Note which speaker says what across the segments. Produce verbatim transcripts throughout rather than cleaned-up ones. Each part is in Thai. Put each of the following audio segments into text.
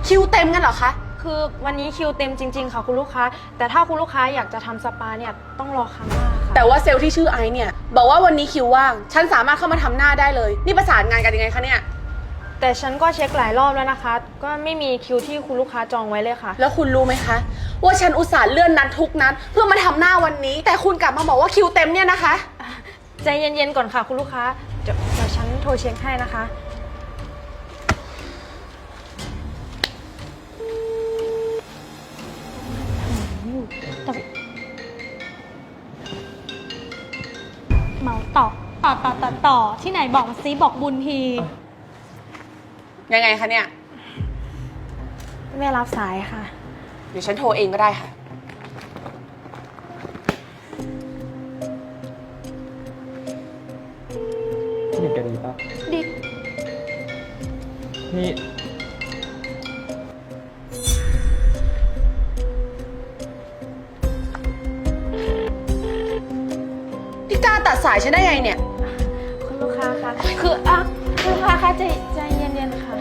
Speaker 1: คิวเต็มกันเหรอคะ
Speaker 2: คือวันนี้คิวเต็มจริงๆค่ะคุณลูกค้าแต่ถ้าคุณลูกค้าอยากจะทำสปาเนี่ยต้องรอครั้งหน้าค่ะ
Speaker 1: แต่ว่าเซลล์ที่ชื่อไอซ์เนี่ยบอกว่าวันนี้คิวว่างฉันสามารถเข้ามาทำหน้าได้เลยนี่ประสานงานกันยังไงคะเนี่ย
Speaker 2: แต่ฉันก็เช็คหลายรอบแล้วนะคะก็ไม่มีคิวที่คุณลูกค้าจองไว้เลยค่ะ
Speaker 1: แล้วคุณรู้ไหมคะว่าฉันอุตส่าห์เลื่อนนัดทุกนัดเพื่อมาทำหน้าวันนี้แต่คุณกลับมาบอกว่าคิวเต็มเนี่ยนะคะ
Speaker 2: ใจเย็นๆก่อนค่ะคุณลูกค้าเดี๋ยวเดี๋ยวฉันโทรเช็คให้นะคะ
Speaker 3: เมาต่อต่อต่อต่อต่อที่ไหนบอกมาซิบอกบุญที
Speaker 1: ยังไงคะเนี่ย
Speaker 2: ไม่รับสายค่ะ
Speaker 1: เดี๋ยวฉันโทรเองก็ได้ค่ะ
Speaker 4: พี่หนึ่งแกดีปะ
Speaker 3: ดี
Speaker 4: นี่
Speaker 1: พี่กล้าตัดสายฉันได้ไงเนี่ย
Speaker 2: คุณลูกค้าคะคืออ่ะคุณลูกค้าคะใจใจเย็นๆค่ะ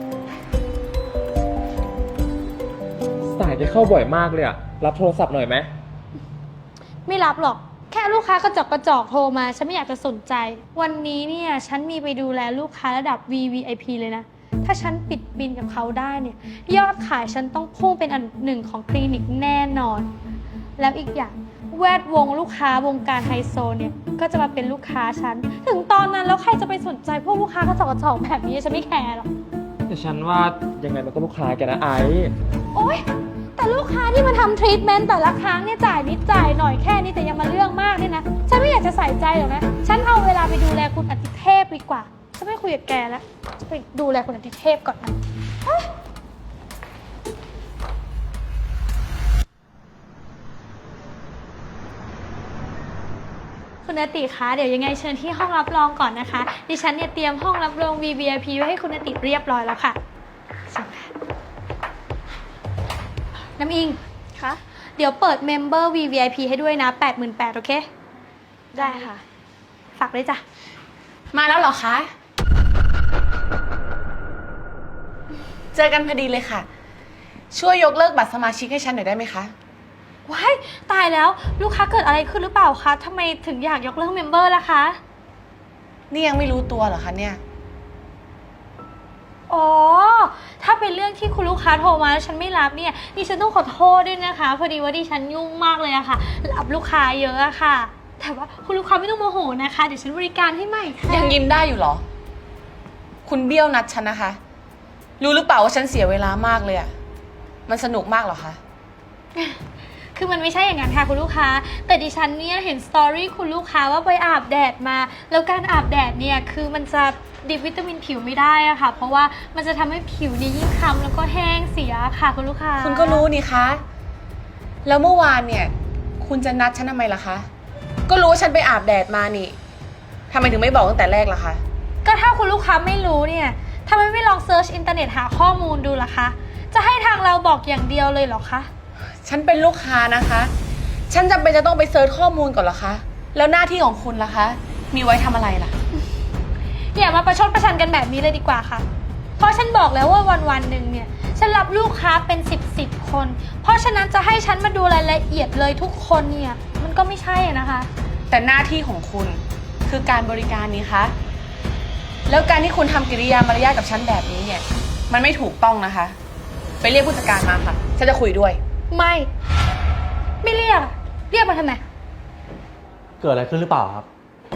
Speaker 4: สายแกเข้าบ่อยมากเลยอะรับโทรศัพท์หน่อยไหม
Speaker 3: ไม่รับหรอกแค่ลูกค้ากระจอกกระจอกโทรมาฉันไม่อยากจะสนใจวันนี้เนี่ยฉันมีไปดูแลลูกค้าระดับ วี วี ไอ พี เลยนะถ้าฉันปิดบินกับเขาได้เนี่ยยอดขายฉันต้องพุ่งเป็นอันหนึ่งของคลินิกแน่นอนแล้วอีกอย่างแวดวงลูกค้าวงการไฮโซเนี่ยก็จะมาเป็นลูกค้าฉันถึงตอนนั้นแล้วใครจะไปสนใจพวกลูกค้ากระจอกกระจอกแบบนี้ฉันไม่แคร์หรอก
Speaker 4: แต่ฉันว่ายังไงมันก็ลูกค้าแกนะไอ้
Speaker 3: โอ๊ยแต่ลูกค้าที่มาทำทรีทเมนต์แต่ละครั้งเนี่ยจ่ายนิดจ่ายหน่อยแค่นี้แต่ยังมาเรื่องมากเนี่ยนะฉันไม่อยากจะใส่ใจหรอกนะฉันเอาเวลาไปดูแลคุณอติเทพดีกว่าฉันไม่คุยกับแกแล้วจะไปดูแลคุณอติเทพก่อนนะคุณอติคะเดี๋ยวยังไงเชิญที่ห้องรับรองก่อนนะคะดิฉันเนี่ยเตรียมห้องรับรอง วี วี ไอ พี ไว้ให้คุณอติเรียบร้อยแล้วค่ะเชิญค่ะน้ำอิง
Speaker 2: คะ
Speaker 3: เดี๋ยวเปิดเมมเบอร์ วี วี ไอ พี ให้ด้วยนะ แปดหมื่นแปดพัน โอเค
Speaker 2: ได้ค่ะ
Speaker 3: ฝากด้วยจ้ะ
Speaker 1: มาแล้วเหรอคะเจอกันพอดีเลยค่ะช่วยยกเลิกบัตรสมาชิกให้ฉันหน่อยได้ไหมคะ
Speaker 3: ว้ายตายแล้วลูกค้าเกิดอะไรขึ้นหรือเปล่าคะทำไมถึงอยากยกเลิกเมมเบอร์ล่ะคะ
Speaker 1: นี่ยังไม่รู้ตัวเหรอคะเนี่ย
Speaker 3: อ๋อถ้าเป็นเรื่องที่คุณลูกค้าโทรมาแล้วฉันไม่รับเนี่ยดิฉันต้องขอโทษด้วยนะคะพอดีว่าดิฉันยุ่งมากเลยอะค่ะรับลูกค้าเยอะอะค่ะแต่ว่าคุณลูกค้าไม่ต้องโมโหนะคะเดี๋ยวฉันบริการให้ใหม่ค่ะ
Speaker 1: ยังยิ้มได้อยู่เหรอคุณเบี้ยวนัดฉันนะคะรู้หรือเปล่าว่าฉันเสียเวลามากเลยอะมันสนุกมากเหรอคะ
Speaker 3: คือมันไม่ใช่อย่างนั้นค่ะคุณลูกค้าแต่ดิฉันเนี่ยเห็นสตอรี่คุณลูกค้าว่าไปอาบแดดมาแล้วการอาบแดดเนี่ยคือมันจะดิบวิตามินผิวไม่ได้อะค่ะเพราะว่ามันจะทำให้ผิวนี่ยิ่งคล้ำแล้วก็แห้งเสียค่ะคุณลูกค้า
Speaker 1: คุณก็รู้นี่คะแล้วเมื่อวานเนี่ยคุณจะนัดฉันทำไมล่ะคะก็รู้ว่าฉันไปอาบแดดมานี่ทำไมถึงไม่บอกตั้งแต่แรกล่ะคะ
Speaker 3: ก็ถ้าคุณลูกค้าไม่รู้เนี่ยทำไมไม่ลองเซิร์ชอินเทอร์เน็ตหาข้อมูลดูล่ะคะจะให้ทางเราบอกอย่างเดียวเลยเหรอคะ
Speaker 1: ฉันเป็นลูกค้านะคะฉันจำเป็นจะต้องไปเซิร์ชข้อมูลก่อนเหรอคะแล้วหน้าที่ของคุณล่ะคะมีไว้ทำอะไรล่ะ
Speaker 3: อย่ามาประชดประชันกันแบบนี้เลยดีกว่าค่ะเพราะฉันบอกแล้วว่าวันวันหนึ่งเนี่ยฉันรับลูกค้าเป็นสิบสิบคนเพราะฉะนั้นจะให้ฉันมาดูรายละเอียดเลยทุกคนเนี่ยมันก็ไม่ใช่นะคะ
Speaker 1: แต่หน้าที่ของคุณคือการบริการนี้คะแล้วการที่คุณทำกิริยามารยาทกับฉันแบบนี้เนี่ยมันไม่ถูกต้องนะคะไปเรียกผู้จัดการมาค่ะฉันจะคุยด้วย
Speaker 3: ไม่ไม่เรียกเรียกมาทำไม
Speaker 4: เกิดอะไรขึ้นหรือเปล่าครับ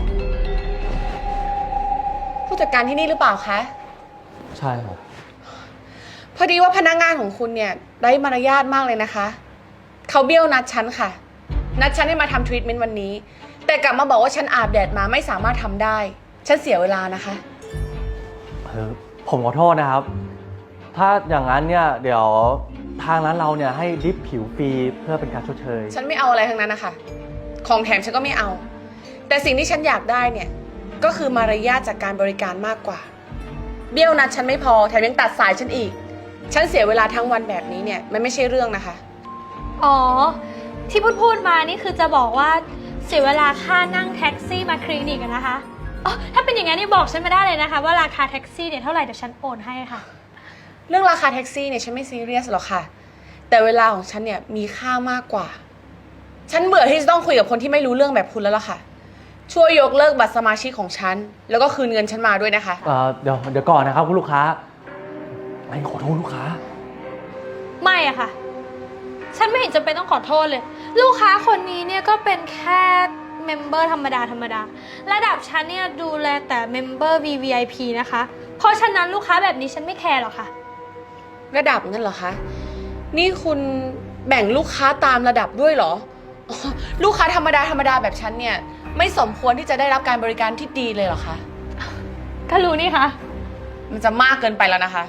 Speaker 1: ผู้จัดการที่นี่หรือเปล่าคะ
Speaker 4: ใช่ครับ
Speaker 1: พอดีว่าพนักงานของคุณเนี่ยไร้มารยาทมากเลยนะคะเขาเบี้ยวนัดฉันค่ะนัดฉันให้มาทำทรีทเมนต์วันนี้แต่กลับมาบอกว่าฉันอาบแดดมาไม่สามารถทำได้ฉันเสียเวลานะคะ
Speaker 4: เออผมขอโทษนะครับถ้าอย่างนั้นเนี่ยเดี๋ยวทางร้านเราเนี่ยให้ดิฟผิวฟรีเพื่อเป็นการชดเชย
Speaker 1: ฉันไม่เอาอะไรทั้งนั้นนะคะของแถมฉันก็ไม่เอาแต่สิ่งที่ฉันอยากได้เนี่ยก็คือมารยาทจากการบริการมากกว่าเบี้ยวนัดฉันไม่พอแถมยังตัดสายฉันอีกฉันเสียเวลาทั้งวันแบบนี้เนี่ยมันไม่ใช่เรื่องนะคะ
Speaker 3: อ๋อที่พูดพูดมานี่คือจะบอกว่าเสียเวลาค่านั่งแท็กซี่มาคลินิกกันนะคะอ๋อถ้าเป็นอย่างนั้นนี่บอกฉันมาได้เลยนะคะว่าราคาแท็กซี่เนี่ยเท่าไหร่เดี๋ยวฉันโอนให้ค่ะ
Speaker 1: เรื่องราคาแท็กซี่เนี่ยฉันไม่ซีเรียสหรอกค่ะ แต่เวลาของฉันเนี่ยมีค่ามากกว่า ฉันเบื่อที่จะต้องคุยกับคนที่ไม่รู้เรื่องแบบคุณแล้วล่ะค่ะ ช่วยยกเลิกบัตรสมาชิกของฉัน แล้วก็คืนเงินฉันมาด้วยนะคะ
Speaker 4: เอ่อเดี๋ยวเดี๋ยวก่อนนะครับคุณลูกค้าไอ้ขอโทษลูกค้า
Speaker 3: ไม่อะค่ะ ฉันไม่เห็นจำเป็นต้องขอโทษเลย ลูกค้าคนนี้เนี่ยก็เป็นแค่เมมเบอร์ธรรมดาธรรมดา ระดับฉันเนี่ยดูแลแต่เมมเบอร์ วี วี ไอ พี นะคะ เพราะฉะนั้นลูกค้าแบบนี้ฉันไม่แคร์หรอกค่ะ
Speaker 1: ระดับงั้นเหรอคะ นี่คุณแบ่งลูกค้าตามระดับด้วยเหรออ๋อลูกค้าธรรมดาธรรมดาแบบฉันเนี่ยไม่สมควรที่จะได้รับการบริการที่ดีเลยเหรอคะ
Speaker 3: ก็รู้นี่คะ
Speaker 1: มันจะมากเกินไปแล้วนะคะ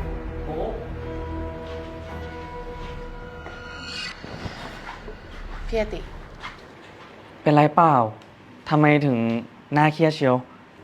Speaker 1: พี่อติ
Speaker 5: เป็นไรเปล่า ทำไมถึงหน้าเครียดเชียว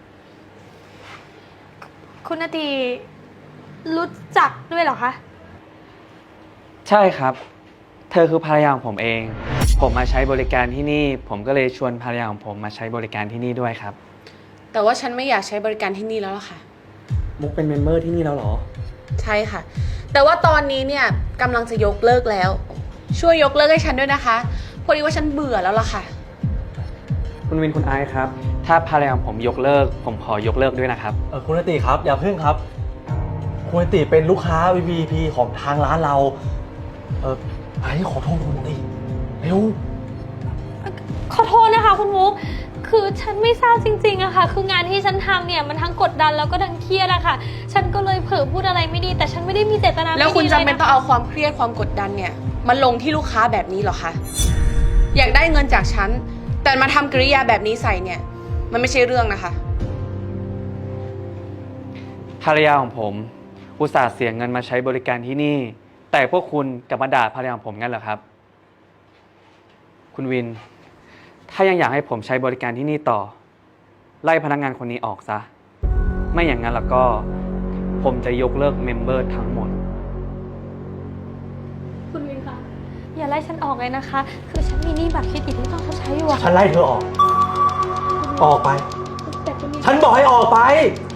Speaker 3: คุณนาทีรู้จักด้วยเหรอคะ
Speaker 5: ใช่ครับ เธอคือภรรยาของผมเอง ผมมาใช้บริการที่นี่ ผมก็เลยชวนภรรยาของผมมาใช้บริการที่นี่ด้วยครับ
Speaker 1: แต่ว่าฉันไม่อยากใช้บริการที่นี่แล้วล่ะค่ะ
Speaker 5: มุกเป็นเมมเบอร์ที่นี่แล้วเหรอ
Speaker 1: ใช่ค่ะ แต่ว่าตอนนี้เนี่ยกำลังจะยกเลิกแล้ว ช่วยยกเลิกให้ฉันด้วยนะคะ พอดีว่าฉันเบื่อแล้วล่ะค่ะ
Speaker 5: คุณวินคุณไอซ์ครับ ถ้าภรรยาของผมยกเลิก ผมขอยกเลิกด้วยนะครับ
Speaker 4: เออคุณอติครับอย่าพึ่งครับ คุณอติเป็นลูกค้า วี วี ไอ พี ของทางร้านเรา เออไอ้ขอโทษคุณอติเร็ว
Speaker 3: ขอโทษนะคะคุณมุก คือฉันไม่ทราบจริงๆอะค่ะ คืองานที่ฉันทำเนี่ยมันทั้งกดดันแล้วก็ทั้งเครียดอะค่ะ ฉันก็เลยเผลอพูดอะไรไม่ดี แต่ฉันไม่ได้มีเจตนาไม่ดีเลย
Speaker 1: แล้วคุณจำเป็น
Speaker 3: นะ
Speaker 1: ต้องเอาความเครียดความกดดันเนี่ยมาลงที่ลูกค้าแบบนี้เหรอคะ อยากได้เงินจากฉัน แต่มาทำกริยาแบบนี้ใส่เนี่ย มันไม่ใช่เรื่องนะคะ
Speaker 5: ภรรยาของผม อุตส่าห์เสียเงินมาใช้บริการที่นี่ แต่พวกคุณกลับมาด่าภรรยาของผมงั้นเหรอครับ คุณวิน ถ้ายังอยากให้ผมใช้บริการที่นี่ต่อ ไล่พนักงานคนนี้ออกซะ ไม่อย่างนั้นแล้วก็ ผมจะยกเลิกเมมเบอร์ทั้งหมด
Speaker 3: คุณวินคะ อย่าไล่ฉันออกเลยนะคะ คือฉันมีหนี้บัตรเครดิตที่ต้องชดใช้อยู่อะ
Speaker 4: ฉันไล่เธอออก ออกไป
Speaker 3: แต่คุณวิน
Speaker 4: ฉันบอกให้ออกไป
Speaker 3: ค